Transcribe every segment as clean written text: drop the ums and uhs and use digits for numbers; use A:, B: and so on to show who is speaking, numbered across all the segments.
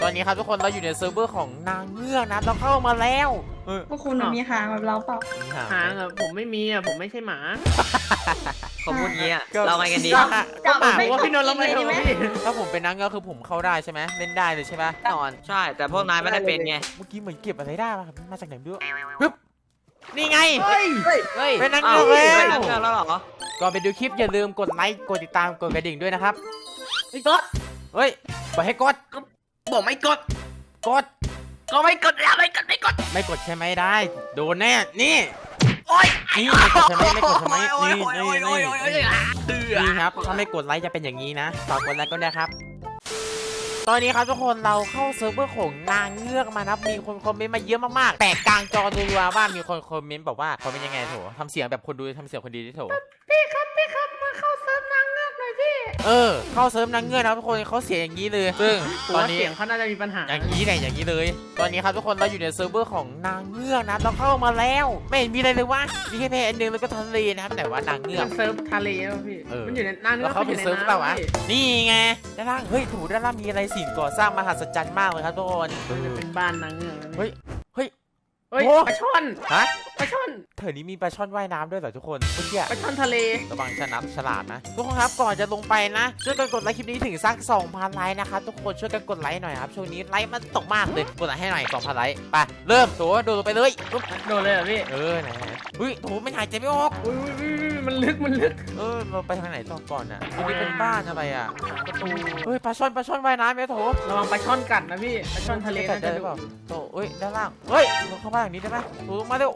A: อนนี้ครับทุกคนเราอยู่ในเซิร์ฟเวอร์ของนางเงือกนะเราเข้ามาแล้ว
B: พวกคุณมีหางแบบเราเปล่า
C: หางอ่ะผมไม่มีอ่ะผมไม่ใช่หมา
D: เขาพูดงี้อ่ะเราไงกันดี
A: ก็หมา
C: ผมว่าพี่นนท์เราไม่ถูกพี่
A: ถ้าผมเป็นนางเงือกคือผมเข้าได้ใช่ไหมเล่นได้เลยใช่ไหมนอน
D: ใช่แต่พวกนายไม่ได้เป็นไง
A: เมื่อกี้เหมือนเก็บอะไรได้มาจากไหนไม่รู้ปึ๊บนี่ไง
C: เฮ้ย
D: เฮ้ย
A: เป็นนาง
D: อ้า
A: เงื
D: ว
A: อก
D: เป็น
A: แล้
D: นักเงือกแล้วเหรอ
A: ก่อนไปดูคลิปอย่าลืมกดไลค์กดติดตามกดกระดิ่งด้วยนะครับ
C: ไม่กด
A: เฮ้ยบอกให้กด
D: บอกไม่กด
A: กด
D: ก็ไม่กดแล้วไม่กด
A: ไม่กดใช่ไหมได้โดนแน่นี่
D: โอ๊ย
A: นี่ไม่กดใช่ไหมไม่กดใช่ไหม
D: โอ๊ย
A: นี่
D: โอ๊ย
A: นี่
D: โอ๊ย
A: นี่
D: โอ๊ยโอ๊ยโอ๊ย
A: นี่ครับถ้าไม่กดไลค์จะเป็นอย่างนี้นะฝากกดไลค์ก็ได้ครับ ตอนนี้ครับทุกคนเราเข้าเซิร์ฟเวอร์ของนางเงือกมานะมีคนคอมเมนต์มาเยอะมากๆแตกกลางจอรัวๆว่ามีคนคอมเมนต์บอกว่าเขาเป็นยังไงโถทำเสียงแบบคนดูทำเสียงคนดีที่โถ
C: พี่ครับมาเข้าเซิร์ฟนางเงือกหน่อยพี่
A: เข้าเซิร์ฟนางเงือกนะทุกคนเขาเสียงอย่างนี้เลยซึ่ง
C: ผม
A: ตอน
C: ว่า
A: นี้
C: เสียงเขาน่าจะมีปัญหา
A: อย่างนี้เลยอย่างนี้เลย ตอนนี้ครับทุกคนเราอยู่ในเซิร์ฟเวอร์ของนางเงือกนะเราเข้ามาแล้วไม่เห็นมีอะไรเลยวะมีแค่แพอันหนึงแล้วก็ทะเลนะครับแต่ว่านางเงือก
C: มันเซิร์ฟทะเลแล้วพี่ มันอยู่ในนางเงื
A: แล้
C: อ
A: ว
C: ก
A: เขา
C: อ
A: เป็น
C: ยู่ใน
A: เซิร์ฟเปล่าวะ
C: น้ำพี่
A: นี่ไงด้านล่างเฮ้ยถูด้านล่างมีอะไรสิ่งก่อสร้างมหัศจรรย์มากเลยครับทุกคน
C: มันจะเป็นบ้านนางเงือกนะพี่
A: เฮ้ย
C: เฮ้ย
A: โอ้
C: ปลาช่อน
A: ฮะ
C: ปลาช่อน
A: เธอนี้มีปลาช่อนว่ายน้ำด้วยเหรอทุกคนเมื่อกี้
C: ปลาช่อนทะเล
A: ระวังฉลาดนะทุกคนครับก่อนจะลงไปนะช่วยกันกดไลค์คลิปนี้ถึงสัก 2,000 ไลค์นะครับทุกคนช่วยกันกดไลค์หน่อยครับช่วงนี้ไลค์มันตกมากเลยกดไลค์ให้หน่อย 2,000 ไลค์ไปเริ่มโถโดดลงไปเลยปุ๊บ
C: โดนเลยเหรอพี่
A: ไหนเฮ้ยโถไม่หายใจไม่ออก
C: อุ้ยมันลึก
A: เราไปทางไหนต่อก่อนอ่ะอันนี้เป็นบ้านอะไรอ่ะ
C: ประตู
A: เฮ้ยปลาช่อนว่ายน้ำไหมโถ
C: ระวังปลาช่อนกัดนะพี่ ปลาช่อนทะเล
A: กั
C: น่า
A: ได้
C: จะ
A: หรือ
C: ดุ
A: เปล่าโถเอ้ยด้านล่างเฮ้ยลงเข้าบ้านอย่างนี้ได้ไหมลงมาเร็ว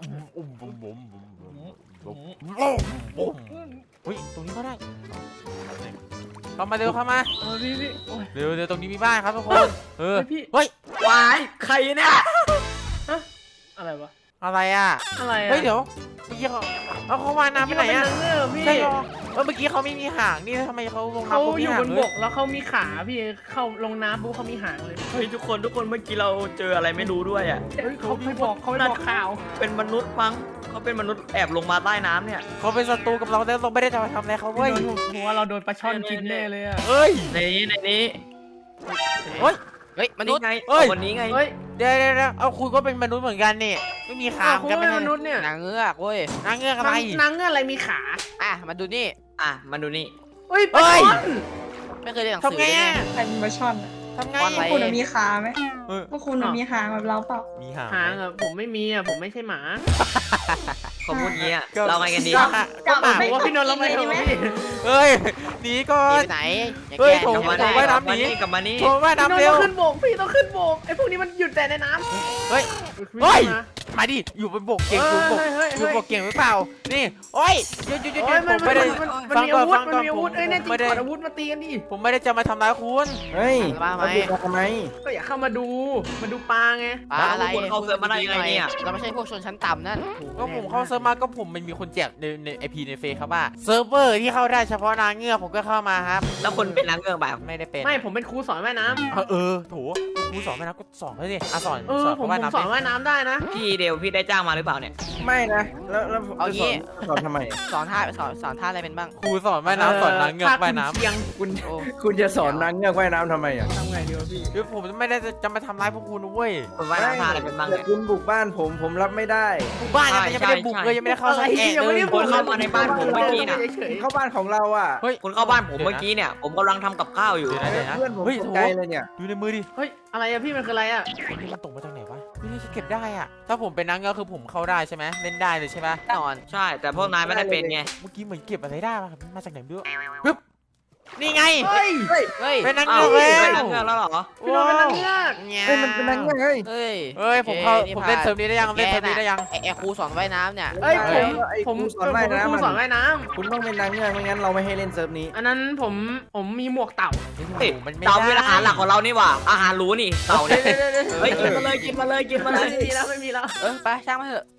A: อุ้ยตรงนี้ก็ได้เข้ามาเร็วเข้ามา
C: พี่โอ้ย
A: เร็วตรงนี้มีบ้านครับทุกคนเฮ้ยว
D: ายใครเนี่ย
C: อะไรวะ
A: อะไรอ่ะ
C: อะไรอะ
A: เฮ้ยเดี๋ยวเมื่อกี้เขาว่ายน้ำไปไหนอ่ะ
C: นางเงือกพี่
A: ใช่หรอเมื่อกี้เขาไม่มีหางนี่ทำไมเขาลง
C: เขา
A: น้ำปุ๊บ
C: อ
A: มี
C: ยู่
A: หาง
C: บน
A: เล
C: บ
A: ย
C: กแล้วเขามีขาพี่เข้าลงน้ำปุ๊บเขามีหางเลย
D: เฮ้ยทุกคนเมื่อกี้เราเจออะไรไม่รู้ด้วยอ่ะ
C: เฮ้ยเขาไม่บอกข่าว
D: เป็นมนุษย์มั้งเขาเป็นมนุษย์แอบลงมาใต้น้ำเนี่ย
A: เขาเป็นศัตรูกับเราแล้วเราไม่ได้จะมาทำอะไรเขาเว้ย
C: หัวเราโดนปลาช่อนกินแน่เลยอะ
A: เฮ้ย
D: ในนี้
A: เฮ้ย
D: เฮ้ยมนุษย์ไง
A: เฮ้ย
D: คนนี้ไง
C: เฮ้ย
A: เดี๋ยวเอาคุณก็เป็นมนุษย์เหมือนกันนี่ไม่มีขา
C: คุณ
A: กัน
C: เป็น
A: ไม่
C: มนุษย์เนี่ย
E: นางเงือกเว้ย
A: นางเงือกอะไร
C: นางเงือกอะไรมีขา
E: อ่ะ มาดูนี่
D: อ่ะมาดูนี่
C: เฮ้ยปลาช่อน
E: ไม่เคยเรียนหนังสื
A: ทำ
E: อ
A: ไง
E: เลย
A: อ่ะ
E: เนี่ย
B: ใครเป็นปลาช่อนอะ
A: ทำไง
E: วัน
B: พ
E: ไห
B: วกคุณมีขาไหม
A: เออ
B: พวกคุณมีหางแบบเราเปล่า
A: มีหาง
C: หางอ่ะผมไม่มีอ่ะผมไม่ใช่หมา
D: เขาพูดงี้อ่ะเราไงกันดี
A: ก็หมา
C: ผมว่าพี่นนท์เราไม่ถูกพี่
A: เฮ้ยหนีก่อ
E: หนี
A: น
E: ไปไหนอย่า
A: เฮ้ย
E: แกล้ง
A: โถ
D: กลับ
E: อย่า
D: มา
E: แกล้
D: นี่
E: ง
D: กลับมานี่
A: โถว่าย
C: พี่นน
A: น้ำ
C: ท์
A: เร็ว
C: ต้องขึ้นบกพี่ต้องขึ้นบกไอ้พวกนี้มันหยุดแต่ในน้ำ
A: เฮ้ย เฮ้ย มาดิอยู่บนบกเก่งอยู่บกอยู่บกเก่งหรือเปล่านี่โอ้ยหยุด
C: โอ้ย
A: ผมไม่ได้
C: มันมีอาวุธมันมีอาวุธเอ้ยแน่จริงถอดอาวุธมาตีกันดิ
A: ผมไม่ได้จะมาทำร้ายคุณ
F: เฮ้ย
E: บ้าไหม
F: เราทำไม
C: ก็อย่าเข้ามาดูปลาไง
E: ปลาอะไร
D: เขาเสิร์ฟมาได้ยังไงเนี่ย
E: เราไม่ใช่พวกชนชั้นต่ำนั่น
A: ก็ผมเข้าเซิร์ฟมาก็ผมมันมีคนแจกในไอพีในเฟซครับว่าเซิร์ฟเวอร์ที่เข้าได้เฉพาะนางเงือกผมก็เข้ามาครับ
D: แล้วคนเป็นนางเงือกแบบ
A: ไม่ได้เป็น
C: ไม่ผมเป็นครูสอนว่ายน้ำ
A: โถครูสอนไม่นะก็สอนเลยดิสอน
C: ผม
A: ว่ายน้ำ
C: สอนว่ายน้ำได้นะ
D: พี่เดวพี่ได้จ้างมาหรือเปล่าเนี่ย
F: ไม่นะ แล้วผม
E: เอา
F: จะ
E: งี้
F: สอนทำไม
E: สอนท่าอะไรเป็นบ้าง
A: ครูสอนว่ายน้ำสอนนางเงือกว่ายน้ำ
C: เชียง
F: คุณ
E: โอ้
F: คุณจะสอนนางเงือกว่ายน้ำทำไมอ่ะ
C: ทำไงดีวะพี่
A: คือผมไม่ได้จะมาทำร้ายพวกคุณนะเว้ย
D: คนว่ายน้ำท่าอะไรเป็นบ้าง
F: แต่
D: เนี่ย
F: คุณบุกบ้านผมรับไม่ได้
A: หมู่บ้านยังไม่ได้บุกเลยยังไม่ได้เข้าสักแอะเลย
D: คนเข้ามาในบ้านผมเมื่อกี้น่ะ
C: เฉย
F: เข้าบ้านของเราอ่ะ
A: เฮ้ย
D: คุณเข้าบ้านผมเมื่อกี้เนี่ยผมกำลังทำกับข้าวอยู่
A: เดี๋ยวนะ
F: เพื่อนผม
A: เฮ้ย
F: ต
A: โถ
F: กใจเลยเนี่ย
A: ดูในมือดิ
C: เฮ้ยอะไรอะพี่มันคืออะไรอะ
A: นี่มันตกมาจากไหนวะนี่เก็บได้อ่ะถ้าผมเป็นนางเงือกคือผมเข้าได้ใช่ไหมเล่นได้เลยใช่ไหม
E: นอน
D: ใช่แต่พวกนายไม่ได้เป็นไง
A: เมื่อกี้เหมือนเก็บอะไรได้มาจากไหนไม่รู้ปึ๊บนี่ไง
C: เฮ้ย
E: เฮ้ย
A: เป็นนาง
D: อ้า
A: เงื
D: ว
A: อก
D: เป็น
A: แล้
D: นางเงือกแล้วเหรอ
C: พี่นนท์เป็นนางเงือก
A: เนี่ย
F: เฮ้ยมันเป็นนางเงือกเฮ้ย
E: เฮ้ย
A: เฮ้ยผมเล่นเซิร์ฟนี้ได้ยังเล่นเซิร์ฟนี้ได้ยัง
E: ไอ้ครูสอนว่ายน้ำเนี่ย
C: เอ้ย
F: ไอ้
C: ผม
F: ครูสอนว่าย
C: เป็น
F: น้ำ
C: ครูสอนว่ายน้
F: คุณต้องเป็นนางเงือกไม่งั้นเราไม่ให้เล่นเซิร์ฟนี้
C: ำอันนั้นผมมีหมวกเต่า
D: เฮ้ย
A: มันไม่
D: เต่า
A: ได้
D: เป็นอาหารหลักของเรานี่หว่าอาหารรู้นี่เต่าเนี่ย
C: เดี๋ยว
D: เฮ้ยกินมาเลยกินมาเลยกินมาเลย
C: ไม่มีแล้ว
E: ไปช่างมาเถอะ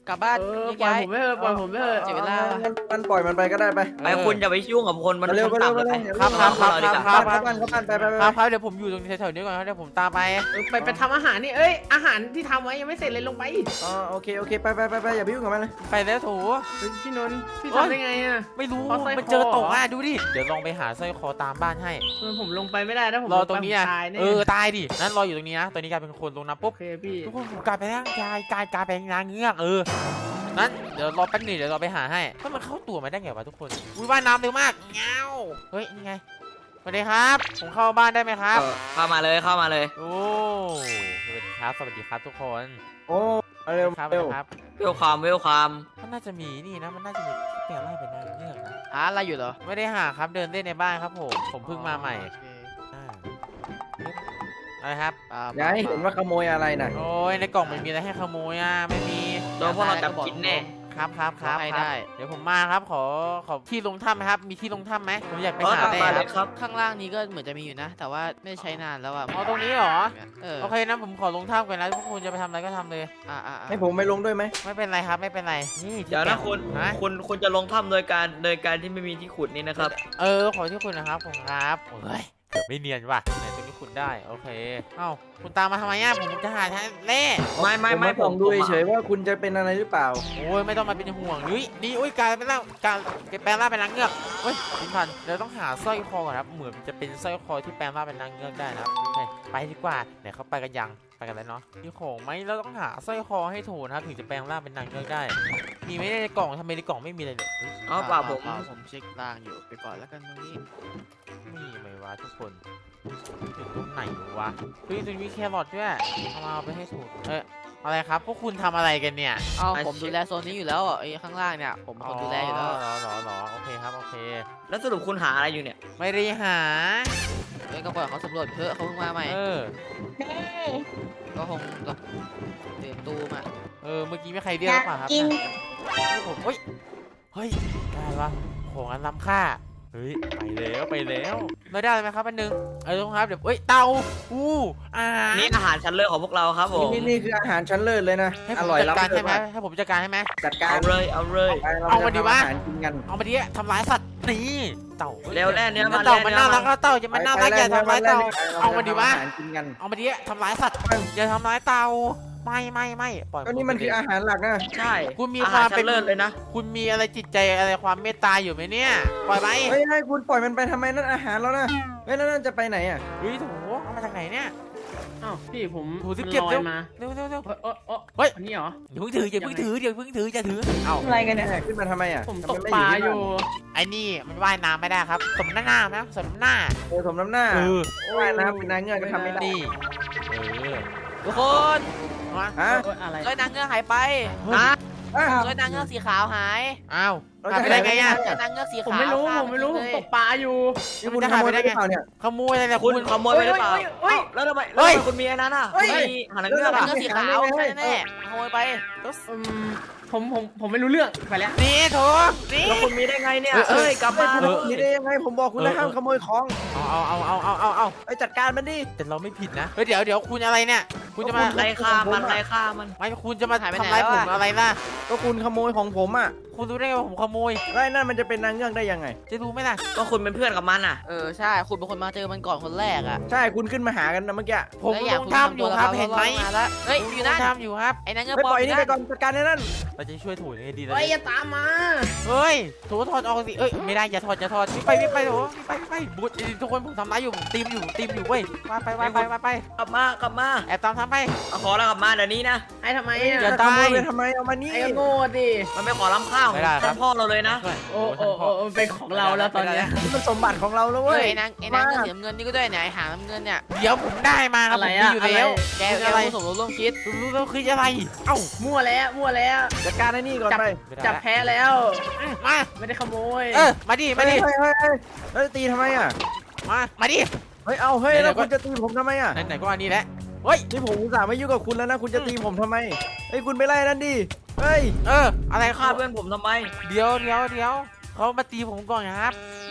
E: กลับบ้าน
C: ปล่อย
E: ย้าย
C: ผมไม่เถอะปล่อยผมไม่เถอะ
E: เสียเวลา
F: มันปล่อยมันไปก็ได้ไป
D: ไปคุณอย่าไปยุ่งกับคนมัน
F: เร็ว
D: คน
F: เร็ว
D: ต่ำ
F: เร็ว
D: ไป
F: เร็ว
A: ครับครับครับครับครับ
F: เข้าบ้านเข้าบ้านไปไป
A: ครับครับเดี๋ยวผมอยู่ตรงแถวๆนี้ก่อนครับเดี๋ยวผมตามไป
C: ไปทำอาหารนี่เอ้ยอาหารที่ทำไว้ยังไม่เสร็จเลยลงไป
F: อ๋อโอเคโอเคไปไปไปอย่าไปยุ่งกับมันเลย
A: ไปแล้วโถ
C: เฮ้ยพี่นนท์พี่
A: โอ๊ย
C: ทำได้ไงอ่ะ
A: ไม่รู้
C: เพราะสร้อยคอ
A: มันเจอตกอ่ะดูดิเดี๋ยวลองไปหาสร้อยคอตามบ้านให้
C: ผมลงไปไม่ได้ถ้าผม
A: รอ
C: ลไป
A: ตรงนี้
C: ผม
A: อ่ะ
C: ตายแน่
A: ตายดินั้นรออยู่ตรงนี้นะตอนนี้กลายเป็นคนลงน้ำ
C: โอ
A: ปุ๊บ
C: เคพี่
A: ทุกคนผมกลายเป็นร่างกายกลายเป็นนางเงือกนั้นเดี๋ยวรอแป๊บหนึงเดี๋ยวเราไปหาให้ถ้ามันเข้าตัวมาได้ไงวะทุกคนอุ้ยว่ายน้ำเร็วมากเงาเฮ้ยนี่ไงสวัสดีครับผมเข้าบ้านได้ไหมครับ
D: เข้ามาเลยเข้ามาเลย
A: โอ้สวัสดีครับสวัสดีครับทุกคน
F: โอ้เร็ว
A: ครับ
F: เร็ว
A: ครับ
D: เวลความเวลความ
A: มันน่าจะมีนี่นะมันน่าจะมีแปลงร่างเป็นนางเงือกนะ
E: หาอะไรอยู่เหรอ
A: ไม่ได้หาครับเดินเล่นในบ้านครับผมเพิ่งมาใหม่
E: โอเค
A: อ่าอะไรครับ
F: อย่าให้เห็นว่าขโมยอะไรนะ
A: โอ้ยในกล่องมันมีอะไรให้ขโมยอ่ะไม่มี
D: โดนพวกเราจับกินแน่
A: ครับครับครับ
E: ให้
A: ครับ
E: ได้
A: เดี๋ยวผมมาครับขอที่ลงถ้ำไหมครับมีที่ลงถ้ำไหมผมอยากไป
D: เออ
A: หา
D: ตาม
A: แร่
D: มา
A: ค
D: เล
A: รับ
D: ยครับ
E: ข้างล่างนี้ก็เหมือนจะมีอยู่นะ แต่ว่าไม่ได้ใช้นานแล้วอ่ะ
A: เอาตรงนี้เหรอ
E: เออ
A: โอเคนะผมขอลงถ้ำก่อนนะพวกคุณจะไปทำอะไรก็ทำเลย
F: ให้ผมไปลงด้วยไหม
A: ไม่เป็นไรครับไม่เป็นไรนี่ที่
D: เดี๋ยวนะ
A: แปะ
D: คุณ
A: ฮะ
D: คุณจะลงถ้ำโดยการที่ไม่มีที่ขุดนี่นะครับ
A: ขอที่คุณนะครับผมครับเฮ้ยเกือบไม่เนียนว่ะไหนตรงนี้คุณได้โอเคเอ้าคุณตามมาทำไมอ่ะผมจะหาแท้เล่
D: ไม่
F: ผองดูเฉยๆว่าคุณจะเป็นอะไรหรือเปล่า
A: โอ้ยไม่ต้องมาเป็นห่วงนี่อุ้ยกลายเป็นร่างแปลงร่างเป็นนางเงือกเฮ้ยพินพันเดี๋ยวต้องหาสร้อยคอก่อนครับเหมือนจะเป็นสร้อยคอที่แปลงร่างเป็นนางเงือกได้นะครับโอเคไปดีกว่าไหนเขาไปกันยังไปกันแล้วเนาะมีของไหมเราต้องหาสร้อยคอให้ถูกนะครับถึงจะแปลงร่างเป็นนางเงือกได้ มีไหมในกล่องทำไมในกล่องไม่มีเลยเนี่ย
D: อ๋อเปล่าผม
E: ผมเช็คล่างอยู่ไปก่อนแล้วกันตรงนี้
A: มีไหมวะทุกคนอยู่ตรงไหนวะเฮ้ยตรงนี้มีแครอทด้วยเอาไปให้ถูกอะไรครับพวกคุณทำอะไรกันเนี่ย
E: เอาผมดูแลโซนนี้อยู่แล้วอ่ะไอ้ข้างล่างเนี่ยผมเป็นคนดูแลอยู่แล้ว
A: หรอโอเคครับโอเค
D: แล้วสรุปคุณหาอะไรอยู่เนี่ย
A: ไม่ได้หา
E: เอ้ยก็ปล่อยเขาสำรวจเถอะเขาเพิ่งมาใหม่ ก็คงแบบตื่นตูมอ่ะ
A: เมื่อกี้มีใครเรียกหรือเปล่าครับ
B: กิน
A: ผมเฮ้ยได้ปะของอันล้ำค่าเฮ้ยไปแล้วไม่ได้เลยไหมครับอันนึงทุกคนครับเดี๋ยวเตา
D: นี่อาหารชั้นเลิศของพวกเราครับผม
F: นี่คืออาหารชั้นเลิศเลยนะ
A: ให้
F: อ
A: ผม
F: ร่อย
A: จัด
F: ล้ำ
A: การ
F: เลิ
A: ใช่
F: ศ
A: ไหม
F: มาก
A: ให้ผมจัดการให้ไหม
F: จัดการ
D: เอาเลยเอาเลย
A: เอามาดีวะ
F: อาหารกินกัน
A: เอามาดิทำร้ายสัตว์นี่เต่า
D: เร็วแน่เนื้อมา
A: เต่า
D: แน่
A: มัน
D: เนื้อ
A: น่ารั
D: มาก
A: เต่าจะมันน่ารักอย่าทำร้ายเต่าเอามาดิวะ
F: อาหารกินกัน
A: เอามาดิทำร้ายสัตว์อย่าทำร้ายเต่าไม่ปล่อย
F: ก็นี่มันคืออาหารหลักนะ
D: ใช่
A: คุณมี
D: อา
A: ค
D: หาร
A: วาม
D: ชั้
A: เป็น
D: นเลิศเลยนะ
A: คุณมีอะไรจิตใจอะไรความเมตตาอยู่ไหมเนี่ยปล่อยไป
F: เฮ้ยให้คุณปล่อยมันไปทำไมนั่นอาหารแล้วนะเฮ้ยแล้วนั่นจะไปไหนอ่ะ
A: เฮ้ยโถเอามาจากไหนเนี่ย
C: อ้าวพี่ผม
A: โหสิ
C: มัน
A: เก็บ
C: ลอ
A: เร็
C: ยว มา
A: เร็ว
C: เฮ้ย
A: เฮ้ย
C: อันนี้เหรอ
A: อย่าเพิ่งถืออย่าเพิ่งถืออย่าถือเอ้า
B: อะไรกันเนี่ย
F: ขึ้นมาทำไมอ่ะ
C: ผม
F: ทำ
C: ต
F: ไ
C: ก
F: ไม่
C: ปลา
F: ที่
C: อยู่
A: ไอ้นี่มันว่ายน้ำไม่ได้ครับสมหน้านะสมหน้า
F: สมน้ำหน้า
A: เออ
F: ว่ายน้ำเป็นนางเงือกก็ทำไม่ได้
A: นี่
E: ทุกคน
A: มา
F: ฮะ
C: เอ้ยอะไร
E: สร้อยนางเงือกหายไป
A: ฮะ
F: อ้าว
E: สร้อยนางเงือกสีขาวหาย
A: อ้าว
F: เรา
A: หาย
F: จะ
A: ไปได้ไงอ่ะ
E: สร้อยนางเงือกสีขาว
C: ผมไม่รู้
E: ฆ่า
C: ผมไม่รู้
E: น
C: ผม
E: เลย
C: ตกปลาอยู่
F: นี่คุณขโมยไปหรือเปล่าเนี่ย
A: ขโมยอะไรเนี่ย
D: คุ
A: คุณ ณ
D: ขโมยไปหรือเปล่า
C: เฮ้ย
D: แล้วทำไม
A: เฮ้ย
D: คุณมีอันนั้นอ่ะ
F: เฮ้ย
D: มีหาหนังเงือก
E: นาง
D: อ่ะ
E: เงือกสีขาวใช่แน่ๆขโมยไป
C: อืมผมไม่รู้เรื่องไปแล้ว
A: นี่โถนี่
D: แล้วคุณมีได้ไงเนี่ย
A: เออ
D: เอ้ยกลับมา
F: นี่ได้ยังไงผมบอกคุณแล้วห้ามขโมยของ
A: เอา
F: ไปจัดการมันดิ
A: แต่เราไม่ผิดนะเดี๋ยวคุณอะไรเนี่ยคุณจะมา
D: ไล่ฆ่ามันไล่ฆ่ามัน
A: ไม่คุณจะมา
E: หายไป
A: ทำ
E: ไหน
A: ร้าย
E: แล้ว
A: ผ
E: อะ
A: มอะไรล่ะ
F: ก็คุณขโมยของผมอ่ะ
A: คุณรู้ได้ไงว่าผมขโมย
F: แล้วไอ้นั่นมันจะเป็นนางเงือกได้ยังไง
A: จะรู้ไหมล่ะ
D: ก็คุณเป็นเพื่อนกับมันอ่ะ
E: ใช่คุณเป็นคนมาเจอมันก่อนคนแรกอ่ะ
F: ใช่คุณขึ้นมาหากันนะเมื่อกี้
A: ผม
E: แล้ว
A: ลงถ้ำอยู่ครับเห็นไหม
E: มาแล้วเฮ้ยอยู่นั่น
A: ถ้ำอยู่ครับ
E: ไอ้นางเงือก
F: ไป
E: ปลอ
F: ปล่
E: ม
F: อย
E: อยู่
F: นี่
E: นั่
F: ไป
E: น
F: ก่อนจัดการไอ้นั่น
A: เราจะช่วยถูยังไงดีเลย
C: เฮ้ยอย่าตามมา
A: เฮ้ยโถถอดออกสิไม่ได้อย่าถอดวิ่งไปโถไปบุตรทุกคนผมทำร้ายอยู่ผมตีมอยู่เว้ยว่าไป
D: กลับมา
A: แอบตามทำไป
D: เอาขอแล้วกลับมาเดี๋ยวนี้นะ
C: ไอ้ทำไม
A: อย่า
C: อ่ะ
A: ตา
F: ขโม
A: ย
F: ยไปทำไมเอามานี่
C: ไอ้ก็โง่ดิ
D: มันไม่ขอล้ำข้าว
A: ไม่ได้ครับ
D: ท่านพ่อเราเลยนะ
C: โอ้มันเป็นของเราแล้วตอนเนี้ย
F: นี่มันสมบัติของเราแล้ว
E: เฮ้
F: เว้
E: ย
F: ย
E: ไอ้นางเงือกสีน้ำเงินนี่ก็ด้วยเนี่ยไอ้หางน้ำเงินเนี่ย
A: เดี๋ยวผมได้มาครับ
C: อะไร
A: ผมมี
C: อะ
A: อยู่แล้ว
E: แก
A: อะไร
E: ผู้สมรู้ร่วมคิด
A: รู้แล้วคืออะไรเอ้า
C: มั่วแล้ว
F: จัดการไอ้นี่ก่อนไป
C: จับแพ้แล้ว
A: มา
C: ไม่ได้ขโมย
A: มาดิ
F: เฮ้ยแล้วตีทำไมอ่ะ
A: มาดิ
F: เฮ้ยเอาเฮ้ยแล้วคุณจะตีผมทำไมอ่ะ
A: ไหนก็อันนี้แหละเฮ้ย
F: นี่ผมอุตส่าห์ไม่ยุ่งกับคุณแล้วนะคุณจะตีผมทำไมเฮ้ยคุณไปไล่นั่นดิเฮ้ย
A: อะไร
D: ฆ่า
A: ครับ
D: เพื่อนผมทำไม
A: เดี๋ยวเขามาตีผมก่อนครับ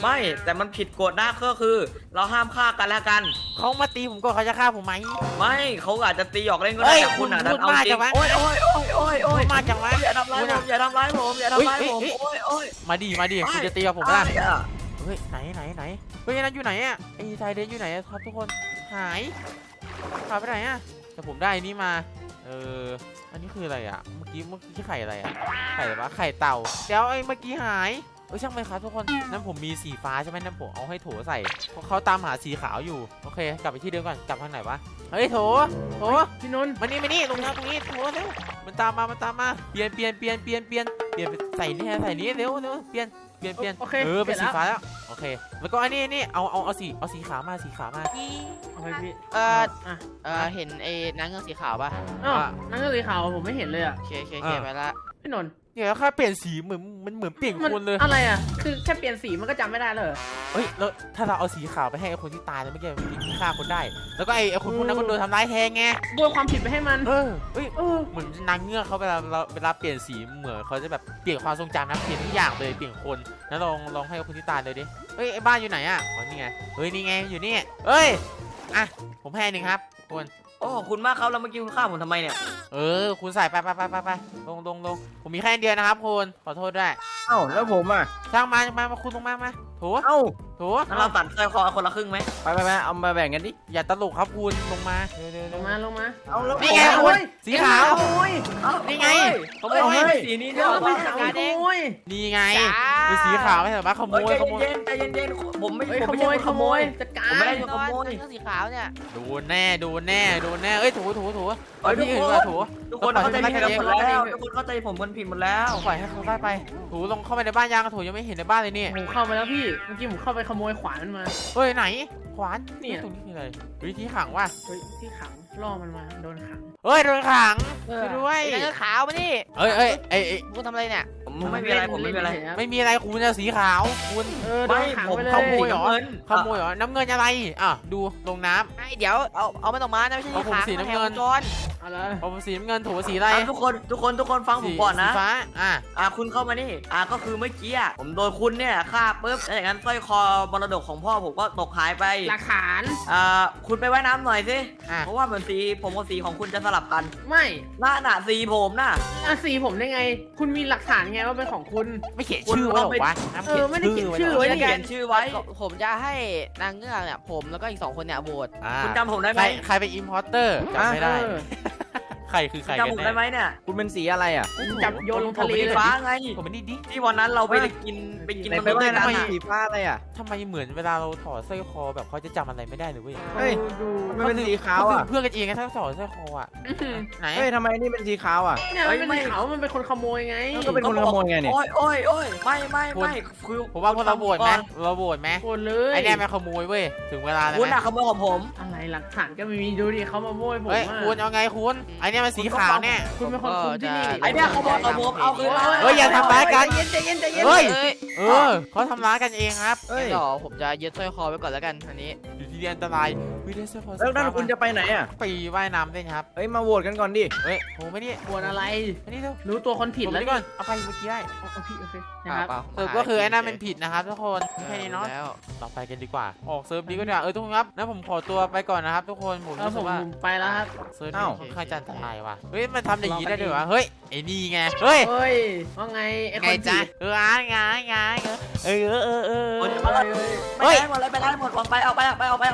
D: ไม่แต่มันผิดกฎนะก็คือ เราห้ามฆ่ากันแล้วกัน
A: เขามาตีผมก่อนเขาจะฆ่าผมไหม
D: ไม่เขาอาจจะตีหยอกเล่นก็
A: เฮ้
D: ได้
A: ย
D: แต่คุณอ่ะ
A: คุณ
D: ดันเอา
A: พูดมาก
D: จริ
A: จั
D: ง
A: งวะ
D: โอ้ยโอ้ยโอ้ยโอ้ยโอ้ย
A: มาจังวะ
D: อย่าทำร้ายผมอย่าทำร้ายผมอย่าทำร้ายผม
A: เฮ้ย
D: โอ้ยโอ้ย
A: มาดิคุณจะตีกับผม
D: อ้า
A: ล่ะ
D: ยอ่ะ
A: เฮ้ยไหนเฮ้ยนั่นอยู่ไหนอ่ะไอ้ไทยเดนอยู่ไหนอะครับทุกคนหายไปไหนอ่ะแต่ผมได้อันนี้มาอันนี้คืออะไรอ่ะเมื่อกี้ไข่อะไรอ่ะไข่อะไรวะไข่เต่าแล้วไอ้เมื่อกี้หายช่างไปครับทุกคนนั้นผมมีสีฟ้าใช่ไหมนั้นผมเอาให้โถใส่เพราะเขาตามหาสีขาวอยู่โอเคกลับไปที่เดิมก่อนกลับทางไหนวะเฮ้ยโถ
C: พี่นนท์
A: มานี่ลงน้ำตรงนี้โถเร็วมันตามมาเปลี่ยนไปใส่นี่เร็วเปลี่ยน
C: โอเค
A: เป็นสี
C: สร็จ
A: ฟ้าแล้วโอเคแล้วก็อันนี้เอาสีขาวมา
C: เอาไปพี่
E: เห็นไอ้นางเงือกสีขาวป่ะ
C: อ้าวนั่นก็สีขาวผมไม่เห็นเลยอ่ะ
E: โอเคไปละ
C: พี่นนท์
A: เดี๋ยวค่าเปลี่ยนสีเหมือนเปลี่ยนคนเลย
C: อะไรอ่ะคือแค่เปลี่ยนสีมันก็จำไม่ได้เลย
A: เฮ้ยแล้วถ้าเราเอาสีขาวไปให้ไอ้คนที่ตายแล้วเมื่อกี้มันฆ่าคนได้ แล้วก็ไอ้คนพวกนั้นก็โดนทำร้ายแทนไง
C: โยนความผิดไปให้มัน
A: เฮ้ย
C: เออ
A: เหมือนนางเงือกเขาเวลาเปลี่ยนสีเหมือนเขาจะแบบเปลี่ยนความทรงจำนะเปลี่ยนทุกอย่างเลยเปลี่ยนคนแล้วลองให้คนที่ตายเลยดิเฮ้ยไอ้บ้านอยู่ไหนอ่ะอ๋อนี่ไงเฮ้ยนี่ไงอยู่นี่เฮ้ยอ่ะผมให้หนึ่งครับคุณ
D: โอ้คุณมากครับแล้วเมื่อกี้คุณฆ่าผมทำไมเนี่ย
A: คุณใส่ไปลงผมมีแค่อันเดียวนะครับคุณขอโทษด้วย
F: เอ้าแล้วผมอ่ะ
A: ช่างมาคุณลงมาโถ
F: เอ้า
D: งั้นเราตัดสร้อยคอคนละครึ่งไหม
F: ไปเอามาแบ่งกันดิ
A: อย่าตลกครับคุณลงมาเร็ว
C: ลงมา
F: เอาแล้ว
A: นี่ไง
F: ผม
A: คุณสีขาว
C: โอ้ย
A: นี่ไง
D: ขโมยสีนี้
C: เดี๋
D: เนี่ย ยว
C: เราไปขโมย
A: นี่ไงเป็นสีขาวไม่ใช่เหรอขโมย
D: ใจเย็นผมไม่
C: เฮ้ย
D: ผม
C: ข
D: ไม่
C: โม
D: ใช่
C: ย
D: คน
C: ข
D: ข
C: โม
D: โม
C: ย
D: ย
C: จัดการ
D: ผมไม่ได้
E: นอนนางเงือกสีขาวเนี่ย
A: โดนแน่เอ้ยโถ
D: เฮ้ย
A: ที่อื่นว่าโถ
D: ทุกคนเข้าใจผิดหมดแล้วทุกคนเข้าใจผมกันผิดหมดแล้ว
A: ปล่อยให้เขาได้ไปโถลงเข้าไปในบ้านยังโถยังไม่เห็นในบ้านเลยนี่
C: ผมเข้ามาแล้วพี่เมื่อกี้ผมเข้าไปขโมยขวานมันมา
A: เฮ้ยไหนขวาน
C: เนี่ย
A: ตรงนี้คืออะไรวิธีขังว่ะ
C: เฮ้ยที่ขังล่อมันมาโดนขัง
A: เฮ้ยโดนขัง
C: เออ
A: ช่วยด้วย
E: ไอ้นางเงือกขาวมานี่
A: เอ้ยไอ้
E: คุณทำอะไรเนี่ย
D: ผมไม่มีอะไรผมไม่มีอะไร
A: ไม่มีอะไรคุณจะสีขาวคุณ
C: เออโดนขังไปเลย
A: ขโมยเหรอ
D: เงิน
A: ขโมยเหรอน้ำเงินอะไรอ่ะดูลงน้ำ
E: ไอ้เดี๋ยวเอามันออกมานะไม่ใช่
A: เอาผม
E: ขา
A: สีน้ำเงิน
E: จร
C: เอาละ
A: เอาสีน้ำเงินโถสีอะไร
D: ทุกคนฟังผมก่อนนะ
A: สีฟ้า
D: คุณเข้ามานี่ก็คือเมื่อกี้ผมโดนคุณเนี่ยฆ่าปุ๊บแล้วจากนั้นสร้อยคอมรดกของพ่อผมก็ตกหายไป
C: หลักฐาน
D: คุณไปว่ายน้ำหน่อยสิ
A: อ่ะ
D: เพราะว่าเหมือนสีผมกับสีของคุณจะสลับกัน
C: ไม่
D: น่ะสีผมน่ะ
C: สีผมได้ไง คุณมีหลักฐานไงว่าเป็นของคุณ
A: ไม่เขียนชื่อไว้หรอวะน้ำ
C: ไม่ได้เขียนชื่อ
A: ไว้
C: ไว้
A: หร
D: เขียนชื่อไว้
E: ผมจะให้นางเงือกเนี่ยผมแล้วก็อีก2คนเนี่ยโหวต
D: คุณจำผมได้ไหม
A: ใครเป็นอิมพอร์เตอร์จำไม่ได้
C: เออ
A: ใครคือใคร
D: จำ
A: กั
D: ผม
A: น
D: ได้ไหม
A: แน่
D: เนี่ย
F: คุณเป็นสีอะไรอ่ะ
C: จับโยนลงทะเล
D: สี
C: เลย
D: ฟ้าไง
A: ผมเป็นนี่ดิ
D: ที่วันนั้นเราไปกินมัน
F: ไป
D: ด้วย
F: ว่าย
D: กัน
F: น้ำ
D: น่ะ
F: สีฟ้าอะไรอ่ะ
A: ทำไมเหมือนเวลาเราถอดสร้อยคอแบบเขาจะจำอะไรไม่ได้เลยเว้ย
F: เฮ้ย
C: ดู
F: มันเป็นสีขาวอ่ะ
A: เพื่อนกันเองนะถ้าถอดสร้อยคออ่ะไหน
F: เฮ้ยทำไมนี่เป็นสีขาวอ่ะ
C: เนี่ยมันเป็นเขามันเป็นคนขโมยไง
F: ก็เป็นคนขโมยไงเนี่ย
D: โอ้ยไม่คือ
A: ผมว่าพวกเราโหวตไหมเราโหวตไหม
C: โกนเลย
A: ไอเนี่ยมันขโมยเว้ยถึงเวลาแล้ว
D: คุณ
A: ไหม
D: น่ะขโมยของผม
C: อะไรหลักฐานก็ไม่มีดูดิเขามาโมยผม
A: เฮ้ย
C: อะ
A: คุณเอาไงคุณไอเนี่ยมันสีขาวเนี่ย
C: คุณเป็นคนคุมที่นี่
D: ไอ้เนี่ยขโมยของผมเอาคืนมา
A: เฮ้ยอย่าทำร้ายกัน
C: ใจเย็น
A: เฮ้ย
E: เอ้ย
A: เขาทำร้ายกันเองครับ
F: เฮ้ย
E: เดี๋ยวผมจะยึดสร้อยคอไว้ก่อนแล้วกันอันนี้
A: อยู่ที่อันตรายวิดีโอเซอร์
F: แล้วนั่นคุณจะไปไหนอ่ะ
A: ไปว่ายน้ำเล่นครับ
F: เฮ้ยมาโหวตกันก่อนดิ
A: เฮ้ยโหไม่นี่
C: ปวดอะไร
A: ไม่นี่เร็ว
C: รู้ตัวคนผิด
A: ผม
C: แล้ว
A: นี่ก่อนเอาไปเมื่อกี้ได้
C: เอาพี่โอเคนะครับ
A: สรุปก็คือไอ้นั่นเป็นผิดนะครับทุกคนแค่นี้เนาะ
E: แล้ว
A: เราไปกันดีกว่าออกเซิร์ฟดีก็ดีกว่าทุกคนครับงั้นผมขอตัวไปก่อนนะครับทุกคนผม
C: แล้ว
A: รู้
C: ผ
A: สึก
C: ม
A: ว่า
C: ไปแล้วครับ
A: เซิร์ฟนี้ค่อนข้างจะอันตรายว่ะเฮ้ยมันทำอย่างนี้ได้ด้วยวะเฮ้ยไอ้นี่ไงเฮ้ย
C: เฮ้ยว่าไงไอ้ค
A: ไง
C: น
A: จ๊ะ
C: ผิด
A: ไงเออ
D: ไปได้หมดเลยไปได้หมดออกไปเอาไป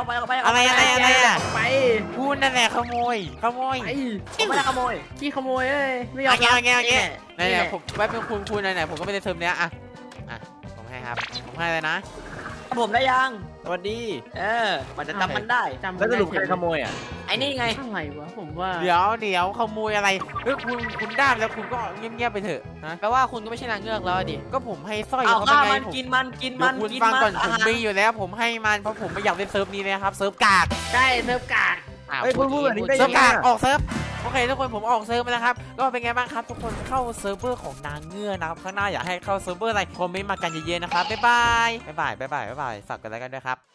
A: อะไรอ่ะ
C: ไป
A: คุณนั่นแหละขโมย
C: ไป
D: ไม่ได้ขโมย
C: ขี้ขโมยเอ้ยไม่ยอม
A: เอาไง
C: นี่
A: ไหนๆผมไว้เป็นคุณไหนๆผมก็ไม่ได้เทอมเนี้ยอ่ะผมให้ครับผมให้เลยนะ
D: ผมได้ยัง
F: สวัสดี
D: มันจะจำมันได้
C: จำ
F: แล้วสรุปใครขโมยอ่ะ
D: ไอ้นี่ไง
C: อะไรวะผมว่า
A: เดี๋ยวขโมยอะไรเฮ้ยคุณได้แล้วคุณก็เงียบๆไปเถอะนะ
E: แปลว่าคุณก็ไม่ใช่นางเงือกแล้วอะดิ
A: ก็ผมให้สร้อย
D: เอา
A: เขา
D: ข้า
A: ไปไง
D: มัน
A: ผม
D: กินมัน
A: เดี๋ยวคุณฟังก่อนผมมีอยู่แล้วผมให้มันเพราะผมไม่อยากเล่นเซิร์ฟนี้เลยครับเซิร์ฟกาก
C: ใช่เซิร์ฟการ์ด
F: เฮ้ยคุณพูดแบบนี้ได้
A: เซิ
F: ยั
A: ร์ฟ
F: งไง
A: กาก
F: อะ
A: ออกเซิร์ฟโอเคทุกคนผมออกเซิร์ฟไปแล้วครับก็เป็นไงบ้างครับทุกคนเข้าเซิร์ฟเวอร์ของนางเงือกนะครับข้างหน้าอยากให้เข้าเซิร์ฟเวอร์อะไรคอมเมนต์มากันเยอะๆนะครับบ๊ายบายฝากกันแล้วกันด้วยครับ